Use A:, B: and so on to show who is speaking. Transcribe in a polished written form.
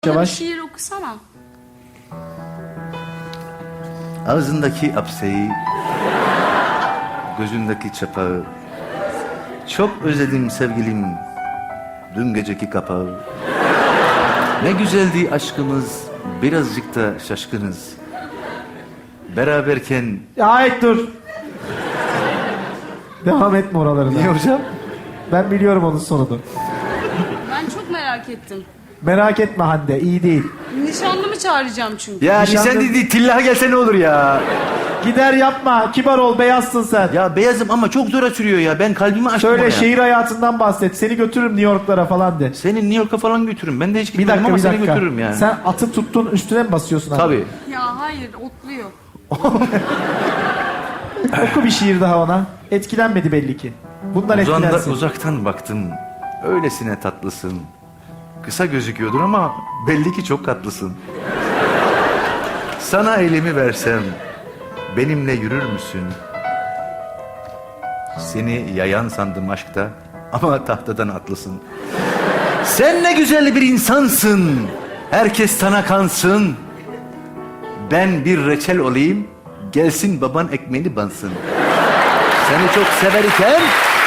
A: Bir
B: Yavaş.
A: şiir okusana.
C: Ağzındaki apseyi, gözündeki çapağı. Çok özledim sevgilim, dün geceki kapağı. Ne güzeldi aşkımız, birazcık da şaşkınız. Beraberken...
B: Ait dur. Devam etme oralarına.
C: Niye hocam?
B: Ben biliyorum onun sonunu.
A: Ben çok merak ettim.
B: Merak etme Hande, iyi değil.
A: Nişanlımı çağıracağım çünkü.
C: Ya
B: Nişanlı-
C: sen dedi tillaha gelse ne olur ya?
B: Gider yapma, kibar ol, beyazsın sen.
C: Ya beyazım ama çok zora sürüyor ya. Ben kalbimi açtım
B: Şöyle
C: ona.
B: şehir hayatından bahset. Seni götürürüm New York'lara falan de.
C: Seni New York'a falan götürürüm. Ben de hiç
B: Bir
C: gitmedim
B: dakika,
C: ama
B: bir
C: seni
B: dakika.
C: götürürüm yani.
B: Sen atı tuttun, üstüne mi basıyorsun abi?
C: Tabii.
A: Ya hayır, otluyor.
B: Oku bir şiir daha ona. Etkilenmedi belli ki. Bundan etkilensin.
C: Uzaktan baktım. Öylesine tatlısın. Kısa gözüküyordur ama belli ki çok tatlısın. Sana elimi versem benimle yürür müsün? Seni yayan sandım aşkta ama tahtadan atlısın. Sen ne güzel bir insansın. Herkes sana kansın. Ben bir reçel olayım. Gelsin baban ekmeğini bansın. Seni çok severken